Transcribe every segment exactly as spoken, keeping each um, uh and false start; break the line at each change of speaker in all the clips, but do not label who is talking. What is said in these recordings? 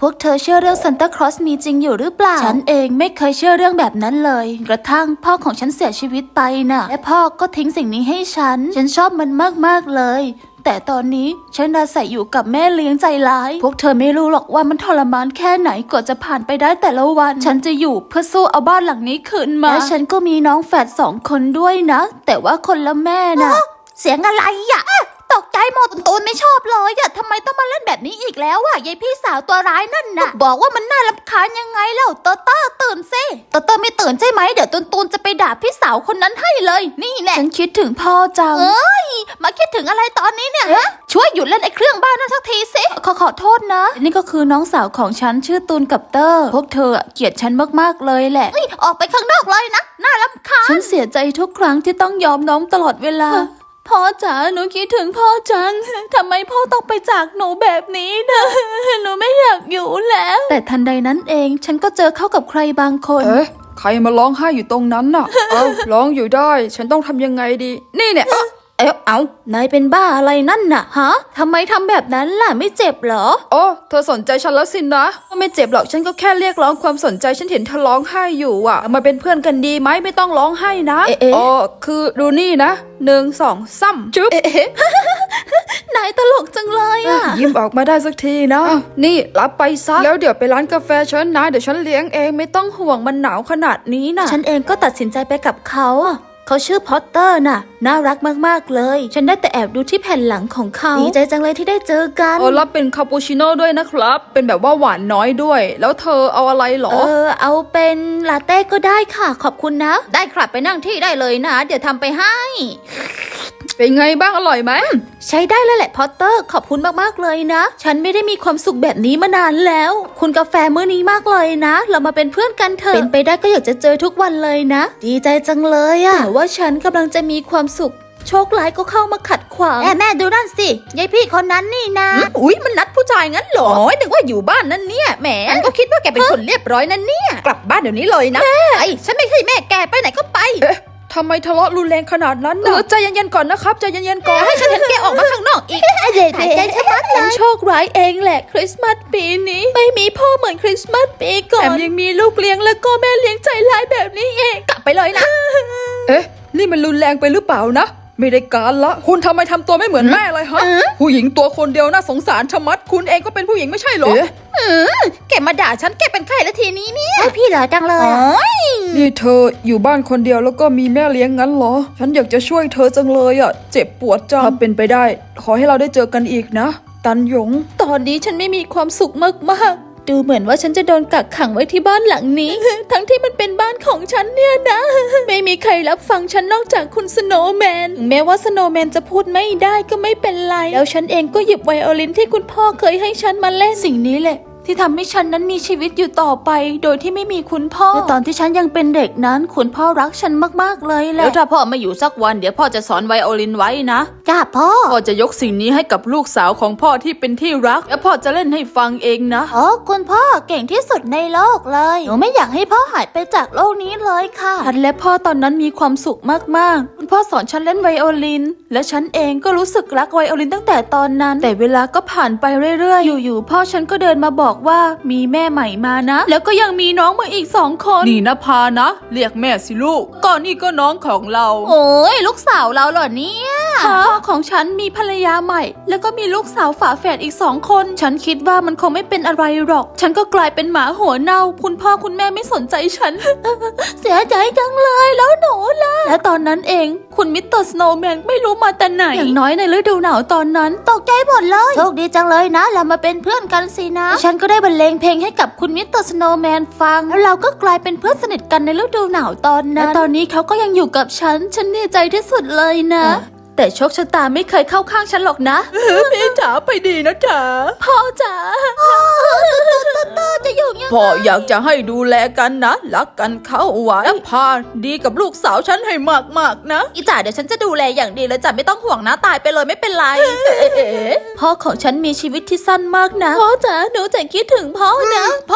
พวกเธอเชื่อเรื่องซานตาคลอสมีจริงอยู่หรือเปล่าฉันเองไม่เคยเชื่อเรื่องแบบนั้นเลยกระทั่งพ่อของฉันเสียชีวิตไปน่ะและพ่อก็ทิ้งสิ่งนี้ให้ฉันฉันชอบมันมากๆเลยแต่ตอนนี้ฉันอาศัยอยู่กับแม่เลี้ยงใจร้ายพวกเธอไม่รู้หรอกว่ามันทรมานแค่ไหนกว่าจะผ่านไปได้แต่ละวันฉันจะอยู่เพื่อสู้เอาบ้านหลังนี้คืนมาและฉันก็มีน้องแฝดสองคนด้วยนะแต่ว่าคนละแม่นะเสียงอะไรอ่ะตกใจหมดตูนไม่ชอบเลยอะทำไมต้องมาเล่นแบบนี้อีกแล้วอะยายพี่สาวตัวร้ายนั่นน่ะบอกว่ามันน่ารำคาญยังไงแล้วเตอเตอตื่นสิเตอเตอไม่ตื่นใช่ไหมเดี๋ยวตูนตูนจะไปด่าพี่สาวคนนั้นให้เลยนี่แน่ฉันคิดถึงพ่อจังเอ้ยมาคิดถึงอะไรตอนนี้เนี่ยช่วยหยุดเล่นไอ้เครื่องบ้านนั่นสักทีสิขอขอโทษนะนี่ก็คือน้องสาวของฉันชื่อตูนกับเตอร์พวกเธอเกลียดฉันมากๆเลยแหละออกไปข้างนอกเลยนะน่ารำคาญฉันเสียใจทุกครั้งที่ต้องยอมน้องตลอดเวลาพ่อจ๋าหนูคิดถึงพ่อจังทำไมพ่อต้องไปจากหนูแบบนี้นะหนูไม่อยากอยู่แล้วแต่ทันใดนั้นเองฉันก็เจอเข้ากับใครบางคน
เอ๊ะใครมาร้องไห้อยู่ตรงนั้นน่ะ เอ้าร้องอยู่ได้ฉันต้องทำยังไงดีนี่เนี่ยเอ๊ะ
เอ๊ะเอานายเป็นบ้าอะไรนั่นน่ะฮะทำไมทำแบบนั้นล่ะไม่เจ็บเหรอ
โอ้เธอสนใจฉันแล้วสินะไม่เจ็บหรอกฉันก็แค่เรียกร้องความสนใจฉันเห็นเธอร้องไห้อยู่อ่ะมาเป็นเพื่อนกันดีไหมไม่ต้องร้องไห้นะ
เอ๊ะ
อ๋อคือดูนี่นะหนึ่งสองซ้ำจุ๊บ
เอ๊ะ นายตลกจังเลยอ่ะ
ยิ้มออกมาได้สักทีนะนี่รับไปซะแล้วเดี๋ยวไปร้านกาแฟฉันนะเดี๋ยวฉันเลี้ยงเองไม่ต้องห่วงมันหนาวขนาดนี้นะ
ฉันเองก็ตัดสินใจไปกับเขาเขาชื่อพอตเตอร์น่ะน่ารักมากๆเลยฉันได้แต่แอบดูที่แผ่นหลังของเขาดีใจจังเลยที่ได้เจอกัน
เออรับเป็นคาปูชิโน่ด้วยนะครับเป็นแบบว่าหวานน้อยด้วยแล้วเธอเอาอะไรหรอ
เออเอาเป็นลาเต้ก็ได้ค่ะขอบคุณนะได้ครับไปนั่งที่ได้เลยนะเดี๋ยวทำไปให้
เป็นไงบ้างอร่อยไหม
ใช้ได้เลยแหละพอตเตอร์ขอบคุณมากๆเลยนะฉันไม่ได้มีความสุขแบบนี้มานานแล้วคุณกาแฟมื้อนี้มากเลยนะเรามาเป็นเพื่อนกันเถอะเป็นไปได้ก็อยากจะเจอทุกวันเลยนะดีใจจังเลยอะแต่ว่าฉันกำลังจะมีความสุขโชคร้ายก็เข้ามาขัดขวางแม่แม่ดูนั่นสิยายพี่คนนั้นนี่นะ
อุ๊ยมันนัดผู้ชายงั้นเหรอโอ้ยนึกว่าอยู่บ้านนั่นเนี่ยแหมฉันก็คิดว่าแกเป็นคนเรียบร้อยนั่นเนี่ยกลับบ้านเดี๋ยวนี้เลยนะ
แม่ไอ้ฉันไม่ใช่แม่แกไปไหนก็ไป
ทำไมทะเลาะรุนแรงขนาดนั้นนะใจเย็นๆก่อนนะครับใจเย็นๆก่อน
ให้ฉันเห็นแกออกมาข้างนอกอีกหายใจชะมัดเลยโชคร้ายเองแหละคริสต์มาสปีนี้ไม่มีพ่อเหมือนคริสต์มาสปีก่อน
แถมยังมีลูกเลี้ยงแล้วก็แม่เลี้ยงใจร้ายแบบนี้เอง
กลับไปเลยนะ
เอ๊ะนี่มันรุนแรงไปหรือเปล่านะไม่ได้การละคุณทำไมทำตัวไม่เหมือนแม่เลยฮะผู้หญิงตัวคนเดียวน่าสงสารชะมัดคุณเองก็เป็นผู้หญิงไม่ใช่เหรอ
เออแกมาด่าฉันแกเป็นใครละทีนี้เนี่ยพี่เหรอจังเลย
นี่เธออยู่บ้านคนเดียวแล้วก็มีแม่เลี้ยงงั้นเหรอฉันอยากจะช่วยเธอจังเลยอ่ะเจ็บปวดจังถ้าเป็นไปได้ขอให้เราได้เจอกันอีกนะตันหยง
ตอนนี้ฉันไม่มีความสุขมากๆดูเหมือนว่าฉันจะโดนกักขังไว้ที่บ้านหลังนี้ ทั้งที่มันเป็นบ้านของฉันเนี่ยนะ ไม่มีใครรับฟังฉันนอกจากคุณสโนว์แมนแม้ว่าสโนว์แมนจะพูดไม่ได้ก็ไม่เป็นไรแล้วฉันเองก็หยิบไวโอลินที่คุณพ่อเคยให้ฉันมาเล่นสิ่งนี้แหละที่ทำให้ฉันนั้นมีชีวิตอยู่ต่อไปโดยที่ไม่มีคุณพ่อในตอนที่ฉันยังเป็นเด็กนั้นคุณพ่อรักฉันมากๆเลยแหละ
แล้วถ้าพ่อมาอยู่สักวันเดี๋ยวพ่อจะสอนไวโอลินไว้นะ
จ้าพ่อ
พ่อจะยกสิ่งนี้ให้กับลูกสาวของพ่อที่เป็นที่รักแล้วพ่อจะเล่นให้ฟังเองนะ
อ๋อคุณพ่อเก่งที่สุดในโลกเลยหนูไม่อยากให้พ่อหายไปจากโลกนี้เลยค่ะ
ฉันและพ่อตอนนั้นมีความสุขมากๆคุณพ่อสอนฉันเล่นไวโอลินและฉันเองก็รู้สึกรักไวโอลินตั้งแต่ตอนนั้นแต่เวลาก็ผ่านไปเรื่อยๆอยู่ๆพ่อฉันก็เดินมาบอกว่ามีแม่ใหม่มานะแล้วก็ยังมีน้องมาอีกสองคนนี่นะพานะเรียกแม่สิลูกก่อนนี่ก็น้องของเรา
โอ้ยลูกสาวเราเหรอเนี่ย
พ่อของฉันมีภรรยาใหม่แล้วก็มีลูกสาวฝาแฝดอีกสองคนฉันคิดว่ามันคงไม่เป็นอะไรหรอกฉันก็กลายเป็นหมาหัวเน่าคุณพ่อคุณแม่ไม่สนใจฉัน
เสียใจจังเลยแล้วหนูล่ะ
และตอนนั้นเองคุณมิสเตอร์สโนว์แมนไม่รู้มาแต่ไหนอย่างน้อยในฤดูหนาวตอนนั้น
ตกใจหมดเลยโชคดีจังเลยนะเรามาเป็นเพื่อนกันสินะฉันก็ได้บรรเลงเพลงให้กับคุณมิสเตอร์สโนว์แมนฟังแล้วเราก็กลายเป็นเพื่อนสนิทกันในฤดูหนาวตอนนั้น
และตอนนี้เขาก็ยังอยู่กับฉันฉันดีใจที่สุดเลยนะแต่โชคชะตาไม่เคยเข้าข้างฉันหรอกนะพี่จ๋าไปดีนะจ๋า
พ่อจ๋าจะอยู่ยังไง
พ่ออยากจะให้ดูแลกันนะรักกันเข้าไว้และพาดีกับลูกสาวฉันให้มากๆนะ
อีจ๋าเดี๋ยวฉันจะดูแลอย่างดีเลยจ๋าไม่ต้องห่วงนะตายไปเลยไม่เป็นไร
พ่อของฉันมีชีวิตที่สั้นมากนะ
พ่อจ๋าหนูจะคิดถึงพ่อนะพ่อ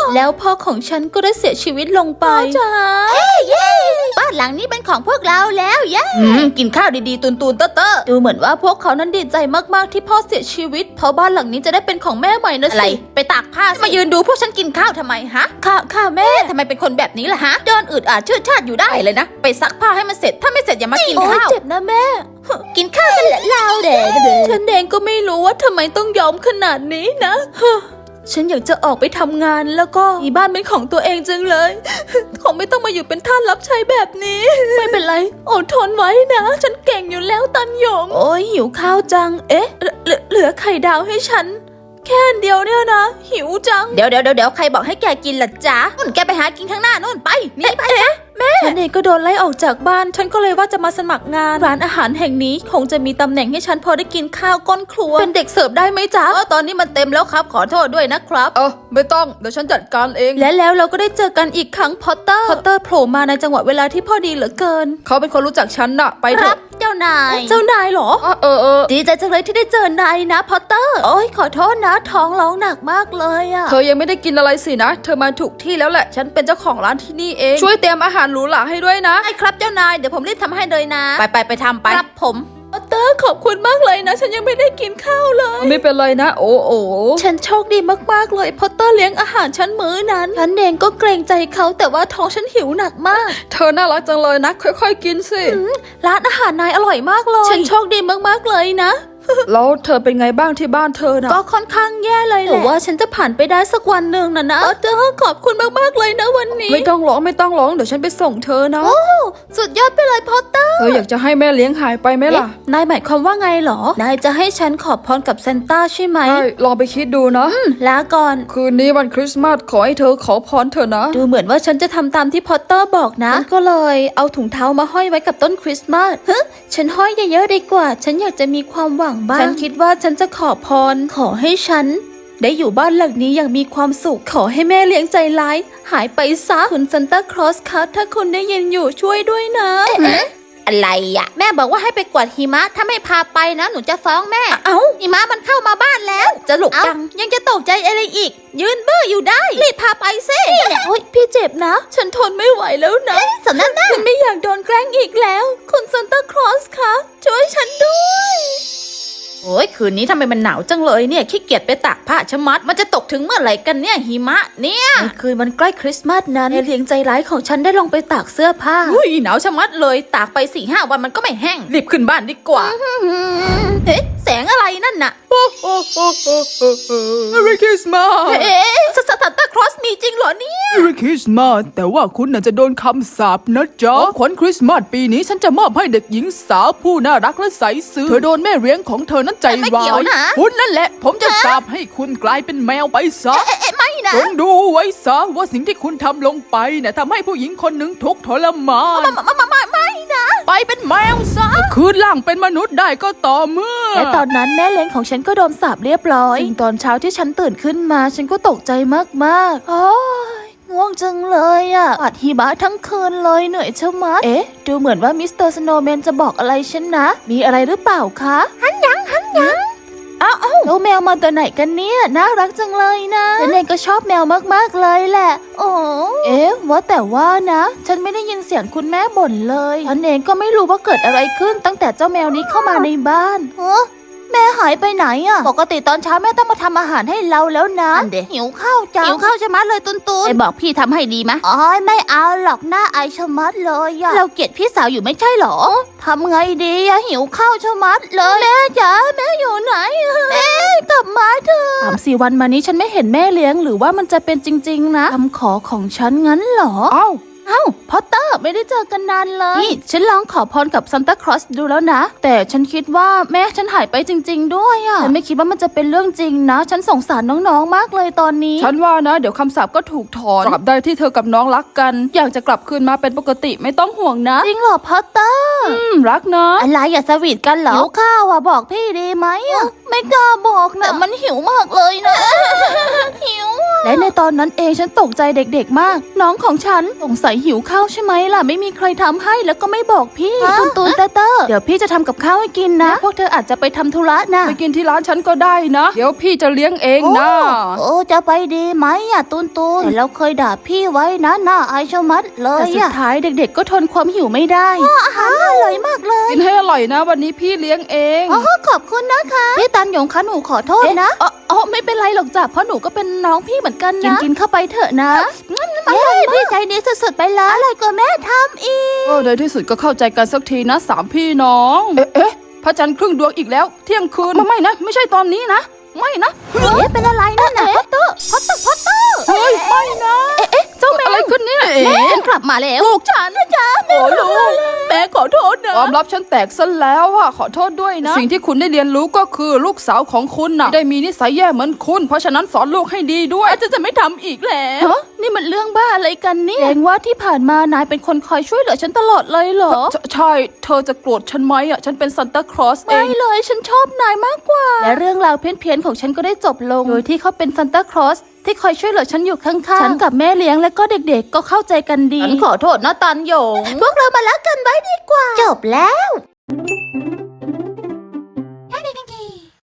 แล้วพ่อของฉันก็ได้เสียชีวิตลงไปจ้า
บ้านหลังนี้เป็นของพวกเราแล้วเย้
อืมกินข้าวดีๆตุนๆเตอะๆดูเหมือนว่าพวกเขานั้นดีใจมากๆที่พ่อเสียชีวิตเพราะบ้านหลังนี้จะได้เป็นของแม่ใหม่นะ
อะไร
สิไปตากผ้ามายืนดูพวกฉันกินข้าวทำไมฮะค่ะค่ะแม่ทำไมเป็นคนแบบนี้ล่ะฮะเดินอึดอัดชืดชาดอยู่ได้เลยนะไปซักผ้าให้มันเสร็จถ้าไม่เสร็จอย่ามากินข้าวเจ็บนะแม่
กินข้าวกันเหรอเราเด็ก
ฉันเองก็ไม่รู้ว่าทำไมต้องยอมขนาดนี้นะ ฉันอยากจะออกไปทำงานแล้วก็มีบ้านเป็นของตัวเองจังเลย คงไม่ต้องมาอยู่เป็นทาสรับใช้แบบนี้ ไม่เป็นไรอดทนไว้นะ ฉันเก่งอยู่แล้วตันหยง โอ้ยหิวข้าวจัง เอ๊ะเหลือเหลือไข่ดาวให้ฉัน แค่อันเดียวเนี่ยนะ หิวจัง
เดี๋ยวเดี๋ยวเดี๋ยวใครบอกให้แกกินล่ะจ๊ะนู่นแกไปหากินข้างหน้านู่นไปนี่ไป
ฉันเองก็โดนไล่ออกจากบ้าน ฉันก็เลยว่าจะมาสมัครงานร้านอาหารแห่งนี้ คงจะมีตำแหน่งให้ฉันพอได้กินข้าวก้นครัว เป็นเด็กเสิร์ฟได้ไหมจ๊ะ
เออตอนนี้มันเต็มแล้วครับขอโทษด้วยนะครับ
เออไม่ต้องเดี๋ยวฉันจัดการเอง และแล้วเราก็ได้เจอกันอีกครั้งพอตเตอร์ พอตเตอร์โผล่มาในจังหวะเวลาที่พอดีเหลือเกิน เขาเป็นคนรู้จักฉันน่ะ ไปเถ
ครั
อะ
บเจ้านาย
เจ้านายเหรอ
เออเออ
ดีใจจังเลยที่ได้เจอนายนะพอตเตอร์ โอ้ยขอโทษนะท้องร้องหนักมากเลยอะ เธอยังไม่ได้กินอะไรสินะ เธอมาถูกที่แล้วแหละ ฉันเป็นเจ้าของร้านที่นี่เอง ช่วยเตรียมอาหารหรูหราให้ด้วยนะ
ใช่ครับเจ้านายเดี๋ยวผมรีบทำให้เลยนะ
ไปไปไปทำไป
ครับผม
พอตเตอร์ขอบคุณมากเลยนะ ฉันยังไม่ได้กินข้าวเลย ไม่เป็นไรนะ โอ้โอฉันโชคดีมากๆเลยพอตเตอร์เลี้ยงอาหารฉันมื้อนั้นฉันเองก็เกรงใจเขาแต่ว่าท้องฉันหิวหนักมาก เธอน่ารักจังเลยนะ ค่อยๆกินสิร้านอาหารนายอร่อยมากเลย ฉันโชคดีมากๆเลยนะ แล้วเธอเป็นไงบ้างที่บ้านเธอนะก็ค่อนข้างแย่เลยแหละแต่ว่าฉันจะผ่านไปได้สักวันหนึ่งนะนะเธอขอบคุณมากๆเลยนะวันนี้ไม่ต้องร้องไม่ต้องร้องเดี๋ยวฉันไปส่งเธอนะ
สุดยอดไปเลยพอตเตอร์
เธออยากจะให้แม่เลี้ยงหายไปไหมล่ะนายหมายความว่าไงหรอนายจะให้ฉันขอพรกับเซนต้าใช่ไหมใช่ลองไปคิดดูนะลาก่อนคืนนี้วันคริสต์มาสขอให้เธอขอพรเธอนะดูเหมือนว่าฉันจะทำตามที่พอตเตอร์บอกนะก็เลยเอาถุงเท้ามาห้อยไว้กับต้นคริสต์มาสเฮ้ฉันห้อยเยอะๆดีกว่าฉันอยากจะมีความหวังบ้างฉันคิดว่าฉันจะขอพรขอให้ฉันได้อยู่บ้านหลังนี้อย่างมีความสุขขอให้แม่เลี้ยงใจร้ายหายไปซะคุณซันตาคลอสคะถ้าคุณได้ยินอยู่ช่วยด้วยนะ
อะไรอะแม่บอกว่าให้ไปกวาดหิมะถ้าไม่พาไปนะหนูจะฟ้องแม่
เอ้า
หิมะมันเข้ามาบ้านแล้ว
จะหลบ
เอ้า
จัง
ยังจะตกใจอะไรอีก ยืนเบ้ออยู่ได้รีบพาไปสิ
โอ๊ยพี่เจ็บนะ ฉันทนไม่ไหวแล้วนะ
สำนักหน้า
ฉันไม่อยากโดนแกล้งอีกแล้ว คุณซันตาคลอสคะช่วยฉันด้วย
โอ้ยคืนนี้ทำไมมันหนาวจังเลยเนี่ยขี้เกียจไปตากผ้าชะมัดมันจะตกถึงเมื่อไหร่กันเนี่ยหิมะเนี่ย
ในคืนวันใกล้คริสต์มาสนั้นแม่เลี้ยงใจร้ายของฉันได้ลงไปตากเสื้อผ้า
อุ้ยหนาวชะมัดเลยตากไปสี่ห้าวันมันก็ไม่แห้ง
รีบขึ้นบ้านดีกว่า
เอ๊ะแสงอะไรนั่นน่ะ
Merry Christmas
เอ๊ะสตาร์ตาคลอสมีจริงเหรอเนี่ย
Merry Christmas แต่ว่าคุณน่ะจะโดนคำสาปนะจ๊ะของขวัญคริสต์มาสปีนี้ฉันจะมอบให้เด็กหญิงสาวผู้น่ารักและใสซื่อเธอโดนแม่เลี้ยงของเธอนั้นใจ
ไม่
วา
เกี่ยวย นะ
คุณนั่นแหละ ผมจะสาปให้คุณกลายเป็นแมวไปซะ
เอ๊ะเอ๊ะไม่นะ
จงดูไว้ซะว่าสิ่งที่คุณทำลงไปเนี่ยทำให้ผู้หญิงคนหนึ่งทุกข์ทรมาน
มามามาไม่นะ
ไปเป็นแมวซะคืนร่างเป็นมนุษย์ได้ก็ต่อเมื่อ
และตอนนั้นแม่เลี้ยงของฉันก็โดนสาปเรียบร้อยซึ่งตอนเช้าที่ฉันตื่นขึ้นมาฉันก็ตกใจมากๆโอ้ยง่วงจังเลยอ่ะปัดหิมะทั้งคืนเลยเหนื่อยชะมัด เอ๊ะ ดูเหมือนว่ามิสเตอร์สโนว์แมนจะบอกอะไรฉันนะ มีอะไรหรือเปล่าคะหันยังหันยังอ้าวแล้วแมวมาตัวไหนกันเนี่ยน่ารักจังเลยนะฉันเองก็ชอบแมวมากๆเลยแหละโอ้เอ๊ะว่าแต่ว่านะ ฉันไม่ได้ยินเสียงคุณแม่บ่นเลยฉันเองก็ไม่รู้ว่าเกิดอะไรขึ้นตั้งแต่เจ้าแมวนี้เข้ามาในบ้าน
เออแม่หายไปไหนอะปกติตอนเช้าแม่ต้องมาทำอาหารให้เราแล้วนะนั่นดิหิวข้าวจังหิวข้าวชะมัดเลยตุนตุน
ไปบอกพี่ทำให้ดีมะ
อ๋อไม่เอาหรอกหน้าอายชะมัดเลยอะเราเกลียดพี่สาวอยู่ไม่ใช่หรอทำไงดีอะหิวข้าวชะมัดเลยแม่จ๋าแม่อยู่ไหนแม่กลับมาเถอะ
สามสี่วันมานี้ฉันไม่เห็นแม่เลี้ยงหรือว่ามันจะเป็นจริงๆนะคำขอของฉันงั้นเหรอ
เอ้า
เอ้าพอตเตอร์ไม่ได้เจอกันนานเลยนี่ฉันลองขอพรกับซันตาคลอสดูแล้วนะ แต่ฉันคิดว่าแม่ฉันหายไปจริงๆด้วยอะฉันไม่คิดว่ามันจะเป็นเรื่องจริงนะ ฉันสงสารน้องๆมากเลยตอนนี้ ฉันว่านะ เดี๋ยวคำสาปก็ถูกถอนตราบใดที่เธอกับน้องรักกัน อยากจะกลับคืนมาเป็นปกติไม่ต้องห่วงนะ
จริงเหรอพอตเตอร์
อืมรักนะ
อะไรอย่าสวีทกันเหรอหิวข้าวอะบอกพี่ดีไหมอะไม่กล้าบอกนะแต่มันหิวมากเลยนะหิว
และในตอนนั้นเองฉันตกใจเด็กๆมาก น้องของฉันสงสัยหิวข้าวใช่ไหมล่ะไม่มีใครทำให้แล้วก็ไม่บอกพี่
ตูนตูนเตอร์เตอร์
เดี๋ยวพี่จะทำกับข้าวให้กินนะ พวกเธออาจจะไปทำธุระนะ
ไปกินที่ร้านฉันก็ได้นะ เดี๋ยวพี่จะเลี้ยงเองนะ
โอ้จะไปดีไหมอะตูนตูนแต่เราเคยด่าพี่ไว้นะน่าอายชะมัดเล
แต่
ย
สุด
อะ
ท้ายเด็กๆก็ทนความหิวไม่ได้
อาหารอร่อยมากเลย
กินให้อร่อยนะ วันนี้พี่เลี้ยงเอง
โอ้ขอบคุณนะคะพี่ตันหยงคะหนูขอโทษนะ
อ๋ออ๋อไม่เป็นไรหรอกจ้ะเพราะหนูก็เป็นน้องพี่เหมือนกันนะ กินเข้าไปเถอะนะ
เย้พี่ใจดีสุดๆไปเลยอร่อยกว่าแม่ทำอีก
ก็ในที่สุดก็เข้าใจกันสักทีนะสามพี่น้อง เอ๊ะเอ๊ะพระจันทร์ครึ่งดวงอีกแล้ว เที่ยงคืนไม่ไม่นะ ไม่ใช่ตอนนี้นะ ไม่นะ
เอ๊ะเป็นอะไรนั่นน่ะพอตเตอร์พอตเตอร์พอตเตอร์
เฮ้ย ไม่นะ
เอ๊ะเจ้าแมว
อะไรขึ้นเนี่ย
แม่ฉันกลับมาแล้วลูกฉันนะจ๊ะโอ้ลูกแม่ขอโทษนะ
ความลับฉันแตกซะแล้วอะขอโทษด้วยนะ สิ่งที่คุณได้เรียนรู้ก็คือลูกสาวของคุณน่ะได้มีนิสัยแย่เหมือนคุณ เพราะฉะนั้นสอนลูกให้ดีด้วย
อาจจะจะไม่ทำอีกแล้วฮะนี่มันเรื่องบ้าอะไรกันเนี่ยแสดงว่าที่ผ่านมานายเป็นคนคอยช่วยเหลือฉันตลอดเลยเหรอ
ใช่ใช่ เธอจะโกรธฉันไหมอะฉันเป็นซันตาคลอสเอ
ไม่
ง
เลยฉันชอบนายมากกว่า และเรื่องราวเพี้ยนๆของฉันก็ได้จบลง โดยที่เขาเป็นซันตาคลอสที่คอยช่วยเหลือฉันอยู่ข้างๆ ฉันกับแม่เลี้ยงและก็เด็กๆ ก็เข้าใจกันดี
ฉันขอโทษนะตันหยง พวกเรามารักกันไว้ดีกว่า จบแล้ว